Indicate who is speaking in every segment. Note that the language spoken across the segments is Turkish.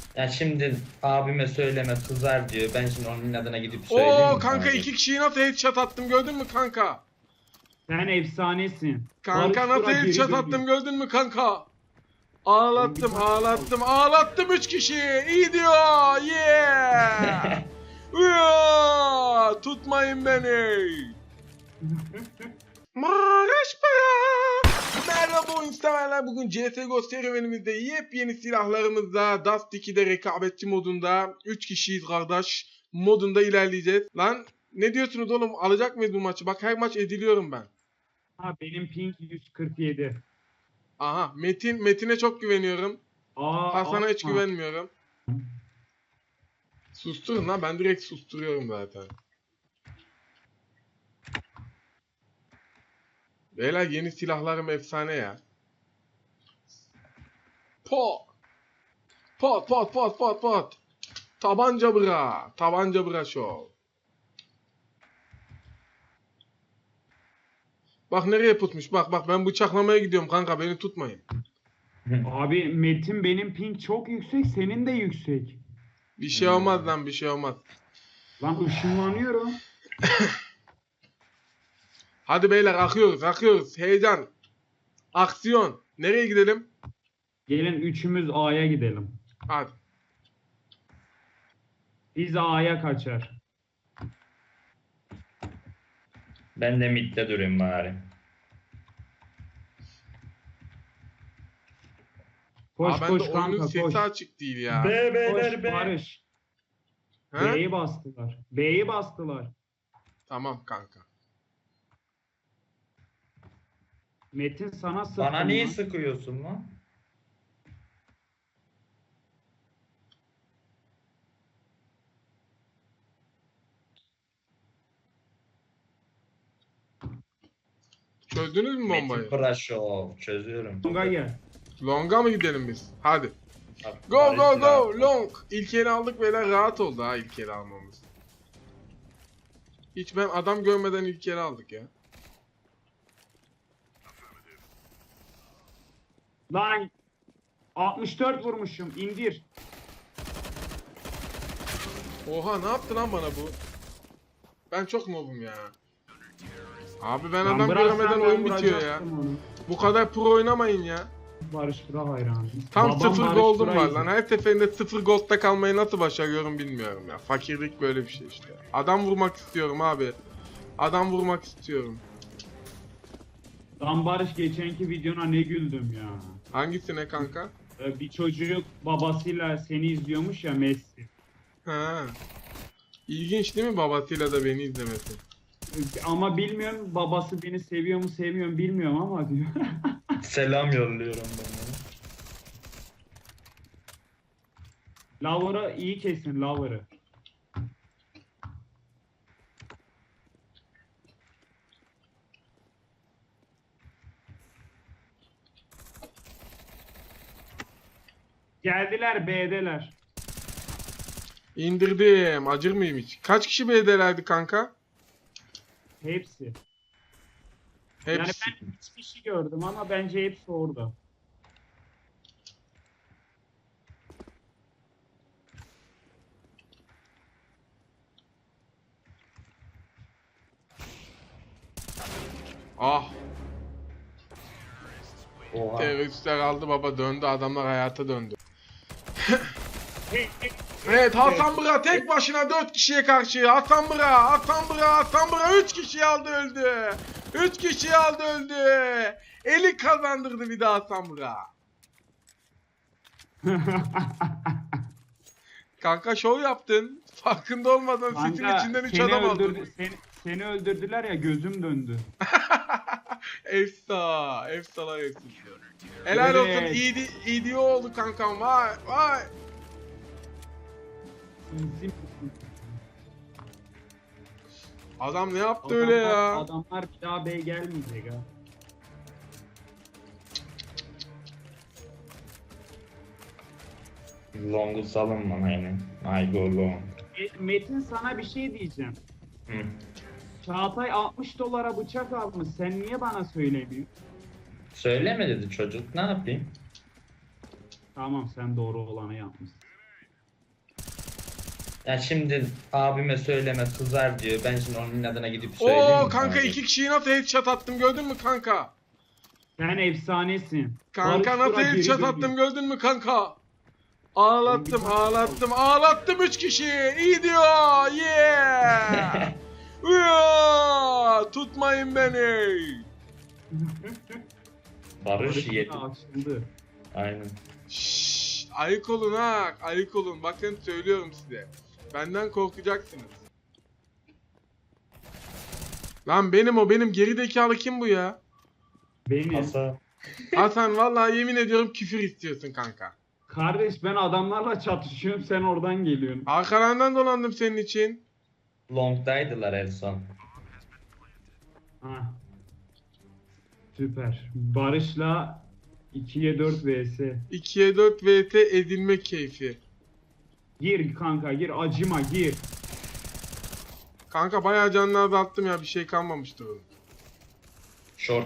Speaker 1: Ya şimdi abime söyleme kızar diyor. Ben şimdi onun adına gidip söyleyeyim
Speaker 2: Oo
Speaker 1: mi
Speaker 2: kanka
Speaker 1: sana?
Speaker 2: iki kişiyi nasıl headshot attım gördün mü kanka?
Speaker 3: Sen efsanesin.
Speaker 2: Kanka
Speaker 3: Barış
Speaker 2: nasıl
Speaker 3: Burak geri
Speaker 2: headshot
Speaker 3: dönüyor.
Speaker 2: attım gördün mü kanka?
Speaker 3: Lan bir
Speaker 2: Ağlattım
Speaker 3: tane
Speaker 2: ağlattım ağlattım 3 kişi. İyi diyor. Yeah. Yeah. Tutmayın beni. Maraş para. Merhaba oyun severler. Bugün CSGO serüvenimizde yepyeni silahlarımızla Dust 2'de rekabetçi modunda 3 kişiyiz kardeş modunda ilerleyeceğiz. Lan ne diyorsunuz oğlum, alacak mıyız bu maçı? Bak her maç ediliyorum ben.
Speaker 3: Ha, benim ping 147.
Speaker 2: Aha Metin'e çok güveniyorum. Hasan'a hiç
Speaker 3: atma.
Speaker 2: güvenmiyorum. Susturun lan, ben direkt susturuyorum zaten. Beyler yeni silahlarım efsane ya. Pot. Pot pot pot pot pot. Tabanca bıra. Tabanca bıra show. Bak nereye putmuş. Bak ben bıçaklamaya gidiyorum kanka, beni tutmayın.
Speaker 3: Abi Metin, benim ping çok yüksek, senin de yüksek.
Speaker 2: Bir şey olmaz lan, bir şey olmaz.
Speaker 3: Lan ışınlanıyorum.
Speaker 2: Hadi beyler akıyoruz. Heyecan. Aksiyon. Nereye gidelim?
Speaker 3: Gelin üçümüz A'ya gidelim.
Speaker 2: Hadi.
Speaker 3: Biz A'ya kaçar.
Speaker 1: Ben de midde durayım bari.
Speaker 3: Koş
Speaker 2: Bende
Speaker 3: koş
Speaker 2: oyunun
Speaker 3: kanka
Speaker 2: sesi
Speaker 3: koş.
Speaker 2: açık değil ya.
Speaker 3: Koş Barış.
Speaker 2: He?
Speaker 3: B'yi bastılar. B'yi bastılar.
Speaker 2: Tamam kanka.
Speaker 3: Metin sana sıktı.
Speaker 1: Bana niye
Speaker 3: lan.
Speaker 1: sıkıyorsun lan?
Speaker 2: Çözdünüz mü
Speaker 1: Metin
Speaker 2: bombayı?
Speaker 1: Prashov çözüyorum.
Speaker 3: Longa gel.
Speaker 2: Long'a mı gidelim biz? Hadi.
Speaker 1: Bak,
Speaker 2: Go
Speaker 1: Barış
Speaker 2: go go
Speaker 1: rahat.
Speaker 2: long. İlk eli aldık beyler, rahat oldu ha ilk eli almamız. Hiç ben adam görmeden ilk eli aldık ya.
Speaker 3: Lan 64 vurmuşum. İndir.
Speaker 2: Oha, ne yaptı lan bana bu? Ben çok noobum ya. Abi ben
Speaker 3: Lan
Speaker 2: adam
Speaker 3: bıraksan
Speaker 2: görmeden
Speaker 3: ben
Speaker 2: oyun bitiyor ya.
Speaker 3: vuracaktım onu.
Speaker 2: Bu kadar pro oynamayın ya.
Speaker 3: Barış Burak hayranı.
Speaker 2: Tam
Speaker 3: Babam
Speaker 2: 0
Speaker 3: Barış
Speaker 2: gold'um
Speaker 3: Burak'ı
Speaker 2: var
Speaker 3: izliyor.
Speaker 2: lan. Her seferinde 0 gold'da kalmayı nasıl başarıyorum bilmiyorum ya. Fakirlik böyle bir şey işte. Adam vurmak istiyorum abi. Adam vurmak istiyorum.
Speaker 3: Lan Barış, geçenki videona ne güldüm ya.
Speaker 2: Hangisine kanka?
Speaker 3: Bir çocuk babasıyla seni izliyormuş ya, Messi.
Speaker 2: Ha. İlginç değil mi babasıyla da beni izlemesi?
Speaker 3: Ama bilmiyorum, babası beni seviyor mu sevmiyor mu bilmiyorum ama diyor.
Speaker 1: Selam yolluyorum ben ona.
Speaker 3: Lover'ı iyi kesin, Lover'ı. Geldiler, B'deler.
Speaker 2: İndirdim. Acır mıyım hiç? Kaç kişi BD'lerdi kanka?
Speaker 3: Hepsi.
Speaker 2: Hepsi.
Speaker 3: Yani ben 3 kişi gördüm ama bence hepsi orada.
Speaker 2: Ah.
Speaker 1: Oha.
Speaker 2: Teröristler aldı baba, döndü. Adamlar hayata döndü.
Speaker 3: Hey, hey,
Speaker 2: Evet, Hasan Bıra tek başına 4 kişiye karşı. Hasan Bıra 3 kişiyi aldı öldü. 3 kişiyi aldı öldü. Eli kazandırdı bir daha Hasan Bıra. Kanka şov yaptın. Farkında olmadan sesin
Speaker 3: Kanka,
Speaker 2: içinden 3
Speaker 3: seni
Speaker 2: adam aldın.
Speaker 3: seni öldürdüler ya, gözüm döndü.
Speaker 2: Efsalar efsane. Helal olsun,
Speaker 3: Evet.
Speaker 2: iyi oldu kankam. Vay.
Speaker 3: Bizim
Speaker 2: Adam ne yaptı öyle ya?
Speaker 3: Adamlar bir daha B gelmeyecek ha.
Speaker 1: Long'u salın bana yine. I go long.
Speaker 3: Metin, sana bir şey diyeceğim.
Speaker 1: Hı.
Speaker 3: Çağatay 60 dolara bıçak almış. Sen niye bana söylemiyorsun?
Speaker 1: Söyleme dedi çocuk. Ne yapayım?
Speaker 3: Tamam, sen doğru olanı yapmışsın.
Speaker 1: Ya şimdi abime söyleme kızar diyor. Ben şimdi onun adına gidip söyleyeyim.
Speaker 2: Oo
Speaker 1: mi
Speaker 2: kanka
Speaker 1: sana?
Speaker 2: 2 kişiyi nasıl headshot attım gördün mü kanka?
Speaker 3: Sen efsanesin.
Speaker 2: Kanka
Speaker 3: Barış
Speaker 2: nasıl
Speaker 3: Burak
Speaker 2: headshot
Speaker 3: geri
Speaker 2: attım
Speaker 3: dönüyor.
Speaker 2: gördün mü kanka? Ağlattım
Speaker 3: Lan bir
Speaker 2: ağlattım ağlattım 3 kişiyi. İyi diyor. Yeah. Tutmayın beni.
Speaker 1: Barış yedi.
Speaker 3: Açıldı.
Speaker 1: Aynen.
Speaker 2: Şşş, ayık olun ha, ayık olun. Bakın söylüyorum size. Benden korkacaksınız. Lan benim gerizekalı kim bu ya?
Speaker 3: Benim.
Speaker 1: Asa.
Speaker 2: Hasan vallahi yemin ediyorum küfür istiyorsun kanka.
Speaker 3: Kardeş ben adamlarla çatışıyorum sen oradan geliyorsun.
Speaker 2: Arkalarından dolandım senin için.
Speaker 1: Long'daydılar en son.
Speaker 3: Ha. Süper. Barış'la 2'ye 4 vs.
Speaker 2: 2'ye 4 VT edilme keyfi.
Speaker 3: Gir kanka gir acıma gir.
Speaker 2: Kanka bayağı canını azalttım ya, bir şey kalmamıştı onun.
Speaker 1: Short.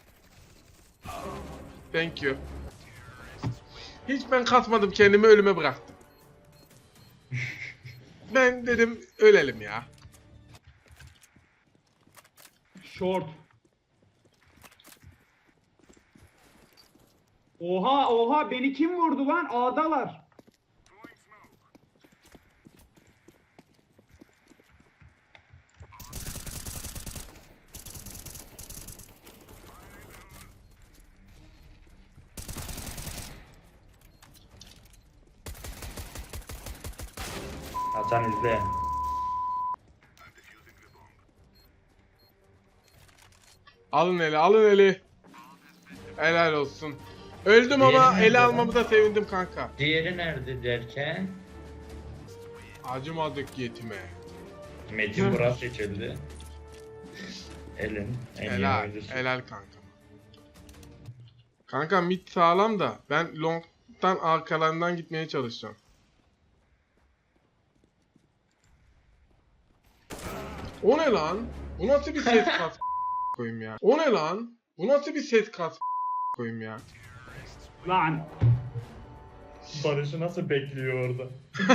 Speaker 2: Thank you. Hiç ben kasmadım, kendimi ölüme bıraktım. Ben dedim ölelim ya.
Speaker 3: Short. Oha beni kim vurdu lan? A'dalar.
Speaker 1: Hasan izle.
Speaker 2: Alın eli, alın eli. Helal olsun. Öldüm ama
Speaker 1: Diğeri nerede
Speaker 2: ele
Speaker 1: lan?
Speaker 2: almamı da sevindim kanka.
Speaker 1: Diğeri nerede derken
Speaker 2: Acımadık yetime.
Speaker 1: Metin Burak seçildi. Elin en iyi
Speaker 2: Helal,
Speaker 1: oyuncusu.
Speaker 2: helal kanka. Kanka mid sağlam da ben long'dan arkalarından gitmeye çalışacağım. O ne lan? Bu nasıl bir ses kas koyayım ya? O ne lan? Bu nasıl bir ses kas koyayım ya?
Speaker 3: Lan.
Speaker 1: Barış'ı nasıl bekliyor orada?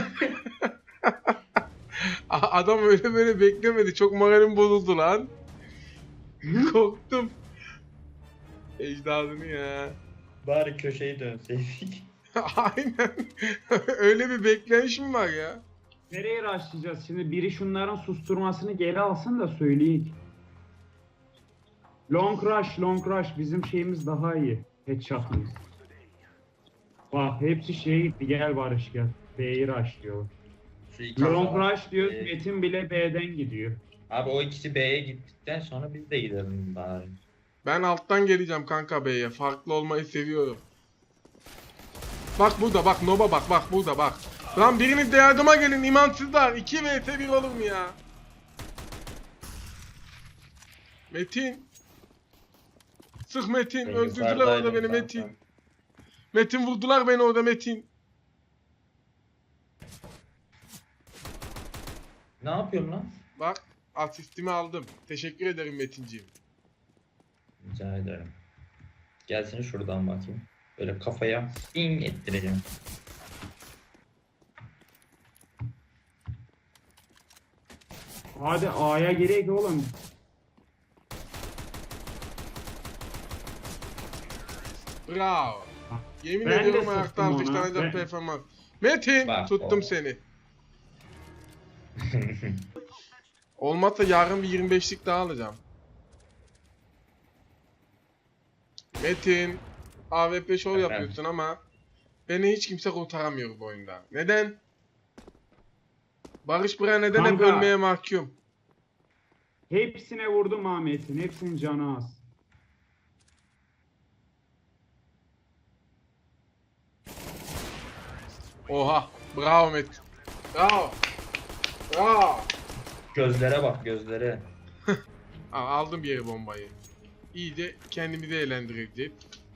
Speaker 2: Adam öyle böyle beklemedi. Çok moralim bozuldu lan. Korktum. Ecdadını ya.
Speaker 1: Bari köşeyi dönseydik.
Speaker 2: Aynen. Öyle bir bekleyiş mi var ya?
Speaker 3: Nereye rushlayacağız şimdi? Biri şunların susturmasını geri alsın da söyleyeyim. Long rush. Bizim şeyimiz daha iyi. Headshot'ımız. Bak hepsi şeye gitti. Gel Barış gel. B'yi rush diyor.
Speaker 1: Şu iki
Speaker 3: Long
Speaker 1: adam-
Speaker 3: rush diyor.
Speaker 1: Ee,
Speaker 3: Metin bile B'den gidiyor.
Speaker 1: Abi o ikisi B'ye gittikten sonra biz de gidelim bari.
Speaker 2: Ben alttan geleceğim kanka B'ye. Farklı olmayı seviyorum. Bak burada bak Noba bak burada bak. Lan biriniz de yardıma gelin imansızlar. 2 vs 1 olur mu ya? Metin. Sık Metin.
Speaker 1: Ben
Speaker 2: Öldürdüler
Speaker 1: yukarıdaydım
Speaker 2: orada beni
Speaker 1: kanka.
Speaker 2: Metin. Metin vurdular beni orada Metin.
Speaker 1: Ne yapıyorsun lan?
Speaker 2: Bak asistimi aldım. Teşekkür ederim Metinciğim.
Speaker 1: Rica ederim. Gelsin şuradan bakayım. Böyle kafaya in ettireceğim.
Speaker 3: Hadi A'ya gerek oğlum.
Speaker 2: Bravo. Yemin
Speaker 3: Ben de
Speaker 2: ediyorum ayakta
Speaker 3: sıktım ona.
Speaker 2: alkışlanacak
Speaker 3: Ben-
Speaker 2: performans. Metin
Speaker 1: Bak,
Speaker 2: tuttum
Speaker 1: o.
Speaker 2: seni. Olmazsa yarın bir 25'lik daha alacağım. Metin, AWP show
Speaker 1: Efendim?
Speaker 2: yapıyorsun ama beni hiç kimse kurtaramıyor bu oyunda. Neden? Barış Bıra neden hep
Speaker 3: Kanka.
Speaker 2: ölmeye mahkum?
Speaker 3: Hepsine vurdum Ahmet'in. Hepsinin canı az.
Speaker 2: Oha, bravo Metin. Bravo. Bravo.
Speaker 1: Gözlere bak gözlere.
Speaker 2: Aldım bir yere bombayı. İyice kendimi de eğlendireceğim.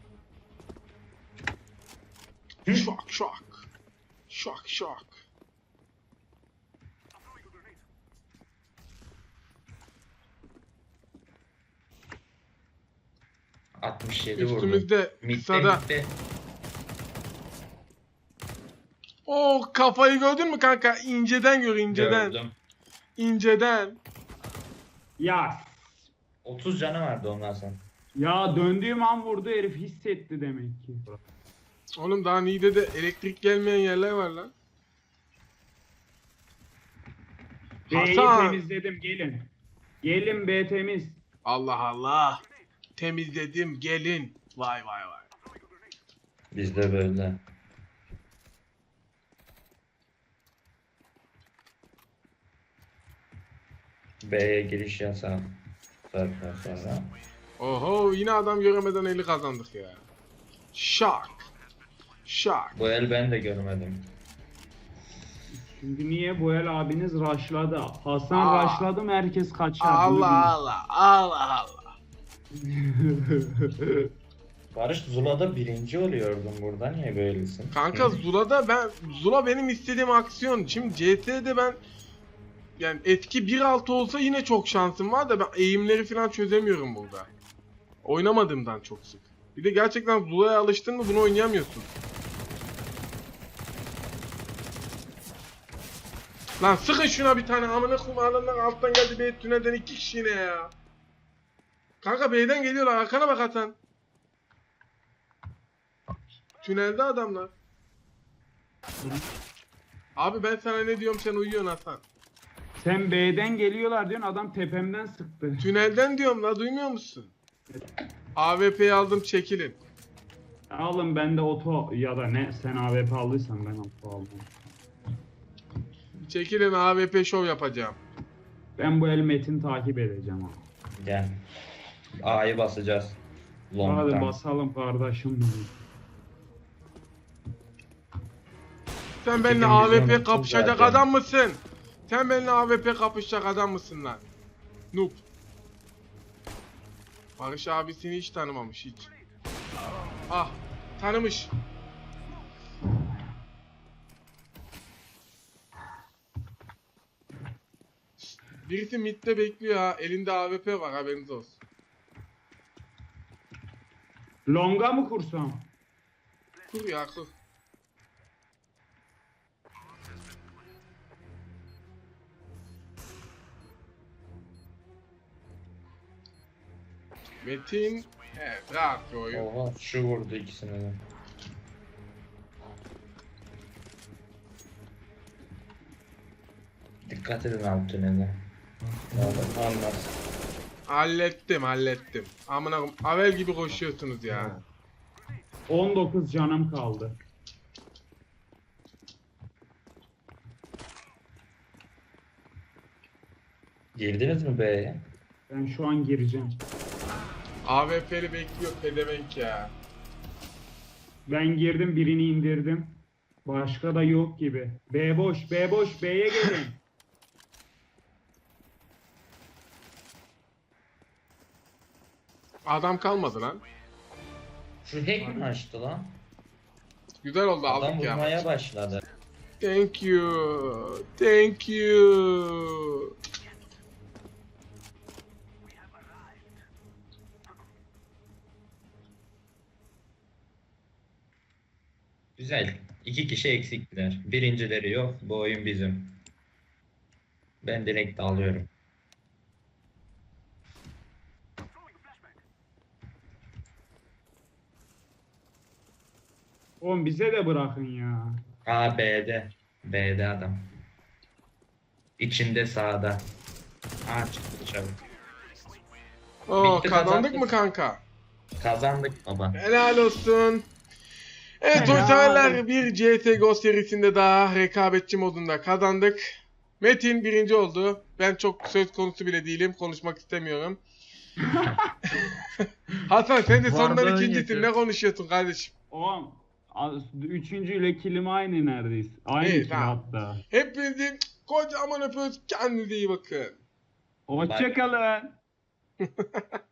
Speaker 2: Şok şok. Şok şok.
Speaker 1: Hı. 67 vurdu.
Speaker 2: Üstümüzde
Speaker 1: Mid'de
Speaker 2: kısada.
Speaker 1: mid'de.
Speaker 2: Oh, kafayı gördün mü kanka? İnceden gör, inceden.
Speaker 1: Gördüm.
Speaker 2: İnceden.
Speaker 3: Ya
Speaker 1: 30 canı vardı ondan sonra.
Speaker 3: ya döndüğüm an vurdu herif, hissetti demek ki.
Speaker 2: Oğlum daha Niğde'de elektrik gelmeyen yerler var lan.
Speaker 3: B'yi
Speaker 2: Hasan.
Speaker 3: temizledim, gelin. Gelin, B temiz.
Speaker 2: Allah Allah. Temizledim, gelin. Vay vay vay.
Speaker 1: Bizde böyle. B'ye giriş yasağı. Zaten sonra.
Speaker 2: Oho, yine adam göremeden eli kazandık ya. Şak. Şak.
Speaker 1: Bu el ben de görmedim.
Speaker 3: Çünkü niye, bu el abiniz rushladı. Hasan rushladı mı herkes kaçar.
Speaker 2: Allah Allah. Allah Allah.
Speaker 1: Barış Zula'da birinci oluyordun, burada niye böylesin?
Speaker 2: Kanka Zula benim istediğim aksiyon. Şimdi CS'de ben yani etki 1.6 olsa yine çok şansım var da ben eğimleri falan çözemiyorum burada. Oynamadığımdan çok sık. Bir de gerçekten Zula'ya alıştın mı bunu oynayamıyorsun. Lan sıkın şuna bir tane, amına koyayım, adamlar alttan geldi, B tünelden 2 kişi yine ya. Kanka B'den geliyorlar, arkana bak Hasan. Tünelde adamlar. Abi ben sana ne diyorum, sen uyuyorsun Hasan.
Speaker 3: Sen B'den geliyorlar diyorsun, adam tepemden sıktı.
Speaker 2: Tünelden diyorum la, duymuyor musun? AWP'yi aldım, çekilin.
Speaker 3: Alın, ben de oto ya da ne, sen AWP aldıysan ben oto aldım.
Speaker 2: Çekilin, AWP şov yapacağım.
Speaker 3: Ben bu el Metin takip edeceğim abi.
Speaker 1: Gel. A'yı basacağız.
Speaker 3: Hadi
Speaker 1: Long'dan.
Speaker 3: basalım kardeşim benim.
Speaker 2: Sen benimle
Speaker 1: Çekin,
Speaker 2: AWP
Speaker 1: bizim
Speaker 2: kapışacak
Speaker 1: zaten.
Speaker 2: adam mısın? Sen benimle AWP kapışacak adam mısın lan? Noob. Barış abisini hiç tanımamış hiç. Ah, tanımış. Birisi midde bekliyor ha. Elinde AWP var, haberiniz olsun.
Speaker 3: Longa mı kursam?
Speaker 2: Kur ya, kur. Metin, evet, rahat bir oyun.
Speaker 1: Oha, şu vurdu ikisini de. Dikkat edin alt tünele. Anlarsın.
Speaker 2: Hallettim. Amına koyayım, Avel gibi koşuyorsunuz ya.
Speaker 3: 19 canım kaldı.
Speaker 1: Girdiniz mi B'ye?
Speaker 3: Ben şu an gireceğim.
Speaker 2: AWP'li bekliyor pedevenk ya.
Speaker 3: Ben girdim, birini indirdim. Başka da yok gibi. B boş, B boş, B'ye gelin.
Speaker 2: Adam kalmadı lan.
Speaker 1: Şu hack mi açtı lan?
Speaker 2: Güzel oldu,
Speaker 1: Adam
Speaker 2: aldık ya.
Speaker 1: vurmaya başladı.
Speaker 2: Thank you. Thank you.
Speaker 1: Güzel. 2 kişi eksiktiler. Birincileri yok. Bu oyun bizim. Ben direkt alıyorum.
Speaker 3: Oğlum bize de bırakın ya.
Speaker 1: A B'de. B'de adam. İçinde sağda. A çıktı dışarı.
Speaker 2: Oo,
Speaker 1: Bitti,
Speaker 2: kazandık
Speaker 1: kazandık.
Speaker 2: mı kanka?
Speaker 1: Kazandık baba.
Speaker 2: Helal olsun. Evet
Speaker 3: Helal.
Speaker 2: oyunseverler, bir CSGO serisinde daha rekabetçi modunda kazandık. Metin birinci oldu. Ben çok söz konusu bile değilim. Konuşmak istemiyorum. Hasan sen de sondan
Speaker 3: Varlığın
Speaker 2: ikincisin.
Speaker 3: yetiyor.
Speaker 2: Ne konuşuyorsun kardeşim?
Speaker 3: Oğlum üçüncüyle kilim aynı neredeyse. Aynı
Speaker 2: İyi,
Speaker 3: kill
Speaker 2: tamam.
Speaker 3: hatta.
Speaker 2: Hepinizi kocaman öpüyoruz. Kendinize iyi bakın.
Speaker 3: Hoşçakalın.